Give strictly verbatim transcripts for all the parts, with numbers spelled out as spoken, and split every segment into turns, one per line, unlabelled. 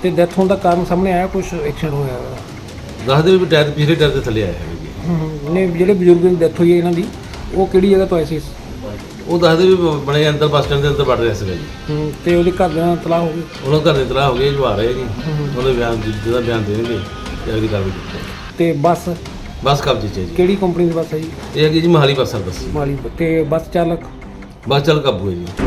ਤੇ ਡੈਥ ਹੋਣ ਦਾ ਕਾਰਨ ਸਾਹਮਣੇ ਆਇਆ, ਕੁਝ ਐਕਸੀਡੈਂਟ ਹੋਇਆ ਹੈਗਾ?
ਦੱਸਦੇ ਵੀ ਟਾਇਰ ਪਿਛਲੇ ਟਾਇਰ ਦੇ ਥੱਲੇ ਆਇਆ ਹੈ ਜੀ।
ਹੂੰ ਨੇ ਜਿਹੜੇ ਬਜ਼ੁਰਗ ਦੀ ਡੈਥ ਹੋਈ ਹੈ ਇਹਨਾਂ ਦੀ, ਉਹ ਕਿਹੜੀ ਜਗ੍ਹਾ ਤੋਂ ਆਏ ਸੀ?
ਉਹ ਦੱਸਦੇ ਵੀ ਬਣੇ ਅੰਦਰ ਬੱਸ ਸਟੈਂਡ ਦੇ ਅੰਦਰ ਵੜ ਰਿਹਾ ਸੀਗਾ ਜੀ।
ਹੂੰ ਤੇ ਉਹਦੇ ਘਰਦਿਆਂ ਨਾਲ ਤਲਾਹ ਹੋ ਗਈ?
ਉਹਨਾਂ ਘਰ ਦੇ ਤਲਾਹ ਹੋ ਗਏ, ਜਵਾ ਰਹੇ ਜੀ। ਉਹਦੇ ਬਿਆਨ ਜਿਹਦਾ ਬਿਆਨ ਦੇਣਗੇ ਤੇ ਅਗਲੀ ਕਾਰਵਾਈ ਕੀਤੀ।
ਤੇ ਬੱਸ
ਬੱਸ ਕਬਜ਼ੇ 'ਚ ਹੈ ਜੀ।
ਕਿਹੜੀ ਕੰਪਨੀ ਦੀ ਬੱਸ ਹੈ ਜੀ?
ਇਹ ਹੈਗੀ ਜੀ ਮੋਹਾਲੀ ਬੱਸ ਸਰਵਿਸ।
ਮਾਲੀ। ਤੇ ਬੱਸ ਚਾਲਕ?
ਬੱਸ ਚੱਲ ਕਾਬੂ ਹੈ ਜੀ।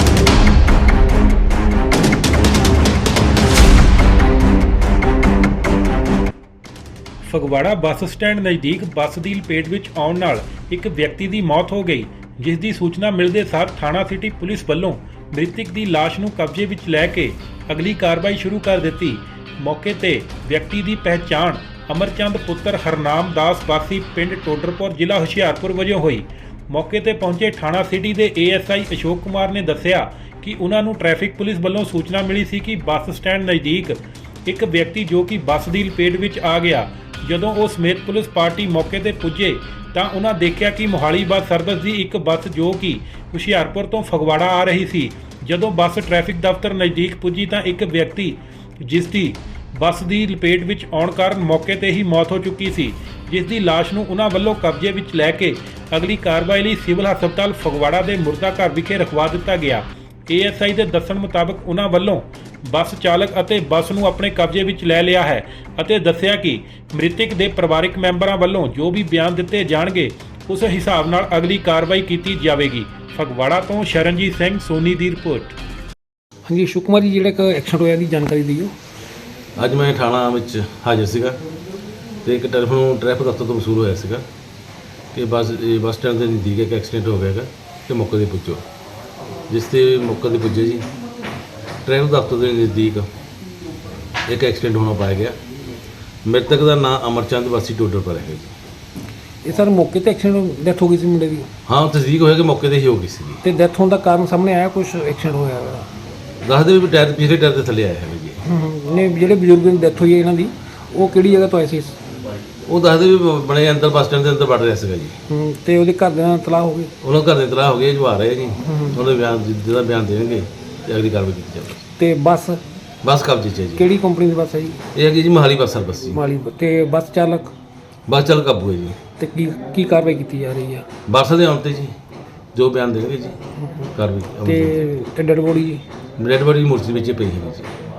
ਫਗਵਾੜਾ ਬੱਸ ਸਟੈਂਡ ਨਜ਼ਦੀਕ ਬੱਸ ਦੀ ਲਪੇਟ ਵਿੱਚ ਆਉਣ ਨਾਲ ਇੱਕ ਵਿਅਕਤੀ ਦੀ ਮੌਤ ਹੋ ਗਈ, ਜਿਸ ਦੀ ਸੂਚਨਾ ਮਿਲਦੇ ਸਾਰ ਥਾਣਾ ਸਿਟੀ ਪੁਲਿਸ ਵੱਲੋਂ ਮ੍ਰਿਤਕ ਦੀ ਲਾਸ਼ ਨੂੰ ਕਬਜ਼ੇ ਵਿੱਚ ਲੈ ਕੇ ਅਗਲੀ ਕਾਰਵਾਈ ਸ਼ੁਰੂ ਕਰ ਦਿੱਤੀ। ਮੌਕੇ ਤੇ ਵਿਅਕਤੀ ਦੀ ਪਹਿਚਾਣ ਅਮਰਚੰਦ ਪੁੱਤਰ ਹਰਨਾਮ ਦਾਸ ਵਾਸੀ ਪਿੰਡ ਟੋਡਰਪੁਰ ਜ਼ਿਲ੍ਹਾ ਹੁਸ਼ਿਆਰਪੁਰ ਵਜੋਂ ਹੋਈ। ਮੌਕੇ ਤੇ ਪਹੁੰਚੇ ਥਾਣਾ ਸਿਟੀ ਦੇ A S I Ashok Kumar ਨੇ ਦੱਸਿਆ ਕਿ ਉਹਨਾਂ ਨੂੰ ਟ੍ਰੈਫਿਕ ਪੁਲਿਸ ਵੱਲੋਂ ਸੂਚਨਾ ਮਿਲੀ ਸੀ ਕਿ ਬੱਸ ਸਟੈਂਡ ਨਜ਼ਦੀਕ ਇੱਕ ਵਿਅਕਤੀ ਜੋ ਕਿ ਬੱਸ ਦੀ ਲਪੇਟ ਵਿੱਚ ਆ ਗਿਆ। ਜਦੋਂ ਉਹ ਸਮੇਤ ਪੁਲਿਸ ਪਾਰਟੀ ਮੌਕੇ ਤੇ ਪੁੱਜੇ ਤਾਂ ਉਹਨਾਂ ਦੇਖਿਆ ਕਿ ਮੋਹਾਲੀ ਬੱਸ ਸਰਵਿਸ ਦੀ ਇੱਕ ਬੱਸ ਜੋ ਕਿ ਹੁਸ਼ਿਆਰਪੁਰ ਤੋਂ ਫਗਵਾੜਾ ਆ ਰਹੀ ਸੀ। ਜਦੋਂ ਬੱਸ ਟ੍ਰੈਫਿਕ ਦਫ਼ਤਰ ਨਜ਼ਦੀਕ ਪੁੱਜੀ ਤਾਂ ਇੱਕ ਵਿਅਕਤੀ ਜਿਸ ਦੀ ਬੱਸ ਦੀ ਲਪੇਟ ਵਿੱਚ ਆਉਣ ਕਾਰਨ ਮੌਕੇ ਤੇ ਹੀ ਮੌਤ ਹੋ ਚੁੱਕੀ ਸੀ, ਜਿਸ ਦੀ ਲਾਸ਼ ਨੂੰ ਉਹਨਾਂ ਵੱਲੋਂ ਕਬਜ਼ੇ ਵਿੱਚ ਲੈ ਕੇ ਅਗਲੀ ਕਾਰਵਾਈ ਲਈ ਸਿਵਲ ਹਸਪਤਾਲ ਫਗਵਾੜਾ ਦੇ ਮੁਰਦਾ ਘਰ ਵਿਖੇ ਰਖਵਾ ਦਿੱਤਾ ਗਿਆ। ਏ ਐਸ ਆਈ ਦੇ ਦੱਸਣ ਮੁਤਾਬਕ ਉਹਨਾਂ ਵੱਲੋਂ ਬੱਸ ਚਾਲਕ ਅਤੇ ਬੱਸ ਨੂੰ ਆਪਣੇ ਕਬਜ਼ੇ ਵਿੱਚ ਲੈ ਲਿਆ ਹੈ ਅਤੇ ਦੱਸਿਆ ਕਿ ਮ੍ਰਿਤਕ ਦੇ ਪਰਿਵਾਰਕ ਮੈਂਬਰਾਂ ਵੱਲੋਂ ਜੋ ਵੀ ਬਿਆਨ ਦਿੱਤੇ ਜਾਣਗੇ ਉਸ ਹਿਸਾਬ ਨਾਲ ਅਗਲੀ ਕਾਰਵਾਈ ਕੀਤੀ ਜਾਵੇਗੀ। ਫਗਵਾੜਾ ਤੋਂ ਸ਼ਰਨਜੀਤ ਸਿੰਘ ਸੋਨੀ ਦੀ ਰਿਪੋਰਟ।
ਹਾਂਜੀ ਅਸ਼ੋਕ ਕੁਮਾਰ ਜੀ, ਜਿਹੜਾ ਇੱਕ ਐਕਸੀਡੈਂਟ ਹੋਇਆ ਦੀ ਜਾਣਕਾਰੀ ਦਿਓ।
ਅੱਜ ਮੈਂ ਥਾਣਾ ਵਿੱਚ ਹਾਜ਼ਰ ਸੀਗਾ ਤੇ ਇੱਕ ਟੈਲੀਫੋਨ ਟ੍ਰੈਫਿਕ ਦਫ਼ਤਰ ਤੋਂ ਵਸੂਲ ਹੋਇਆ ਸੀਗਾ ਕਿ ਬੱਸ ਇਹ ਬੱਸ ਸਟੈਂਡ ਦੇ ਨਜ਼ਦੀਕ ਇੱਕ ਐਕਸੀਡੈਂਟ ਹੋ ਗਿਆ ਹੈਗਾ ਤੇ ਮੌਕੇ 'ਤੇ ਪੁੱਜੋ। ਜਿਸ 'ਤੇ ਮੌਕੇ 'ਤੇ ਪੁੱਜੇ ਜੀ, ਟ੍ਰੈਫਿਕ ਦਫ਼ਤਰ ਦੇ ਨਜ਼ਦੀਕ ਇੱਕ ਐਕਸੀਡੈਂਟ ਹੋਣਾ ਪਾਇਆ ਗਿਆ। ਮ੍ਰਿਤਕ ਦਾ ਨਾਮ ਅਮਰਚੰਦ ਵਾਸੀ ਟੋਡਰਪੁਰ ਹੈ ਜੀ।
ਇਹ ਸਰ ਮੌਕੇ ਤੇ ਐਕਸੀਡੈਂਟ ਡੈਥ ਹੋ ਗਈ ਸੀ ਮੁੰਡੇ ਦੀ?
ਹਾਂ, ਤਸਦੀਕ ਹੋਇਆ ਕਿ ਮੌਕੇ 'ਤੇ ਹੀ ਹੋ ਗਈ ਸੀਗੀ।
ਤੇ ਡੈਥ ਹੋਣ ਦਾ ਕਾਰਨ ਸਾਹਮਣੇ ਆਇਆ, ਕੁਝ ਐਕਸੀਡੈਂਟ ਹੋਇਆ ਹੈਗਾ?
ਦੱਸਦੇ ਵੀ ਟਾਇਰ ਪਿਛਲੇ ਟਾਇਰ ਦੇ ਥੱਲੇ ਆਇਆ ਹੈ ਜੀ।
ਹੂੰ ਨੇ ਜਿਹੜੇ ਬਜ਼ੁਰਗ ਦੀ ਡੈਥ ਹੋਈ ਹੈ ਇਹਨਾਂ ਦੀ, ਉਹ ਕਿਹੜੀ ਜਗ੍ਹਾ ਤੋਂ ਆਏ ਸੀ?
ਉਹ ਦੱਸਦੇ ਵੀ ਬਣੇ ਅੰਦਰ ਬੱਸ ਸਟੈਂਡ ਦੇ ਅੰਦਰ ਵੜ ਰਿਹਾ ਸੀਗਾ ਜੀ।
ਹੂੰ ਤੇ ਉਹਦੇ ਘਰਦਿਆਂ ਨਾਲ ਤਲਾਹ ਹੋ ਗਈ?
ਉਹਨਾਂ ਘਰ ਦੇ ਤਲਾਹ ਹੋ ਗਏ, ਜਵਾ ਰਹੇ ਜੀ। ਉਹਦੇ ਬਿਆਨ ਜਿਹਦਾ ਬਿਆਨ ਦੇਣਗੇ ਤੇ ਅਗਲੀ ਕਾਰਵਾਈ ਕੀਤੀ ਜਾਵੇ।
ਤੇ ਬੱਸ
ਬੱਸ ਕਬਜ਼ੇ 'ਚ ਹੈ ਜੀ।
ਕਿਹੜੀ ਕੰਪਨੀ ਦੀ ਬੱਸ ਹੈ ਜੀ?
ਇਹ ਹੈਗੀ ਜੀ ਮੋਹਾਲੀ ਬੱਸ ਸਰਵਿਸ।
ਮਾਲੀ। ਤੇ ਬੱਸ ਚਾਲਕ?
ਬੱਸ ਚੱਲ ਕਾਬੂ ਹੈ ਜੀ।
ਤੇ ਕੀ ਕੀ ਕਾਰਵਾਈ ਕੀਤੀ ਜਾ ਰਹੀ ਹੈ?
ਬੱਸ ਦੇ ਆਉਣ 'ਤੇ ਜੀ ਜੋ ਬਿਆਨ ਦੇਣਗੇ ਜੀ ਕਾਰਵਾਈ।
ਤੇ ਤੇ ਡੈਡ ਬੋਡੀ ਜੀ?
ਰੈਡ ਬੋਡੀ ਮੂਰਤੀ ਵਿੱਚ ਪਈ ਹੈ ਜੀ।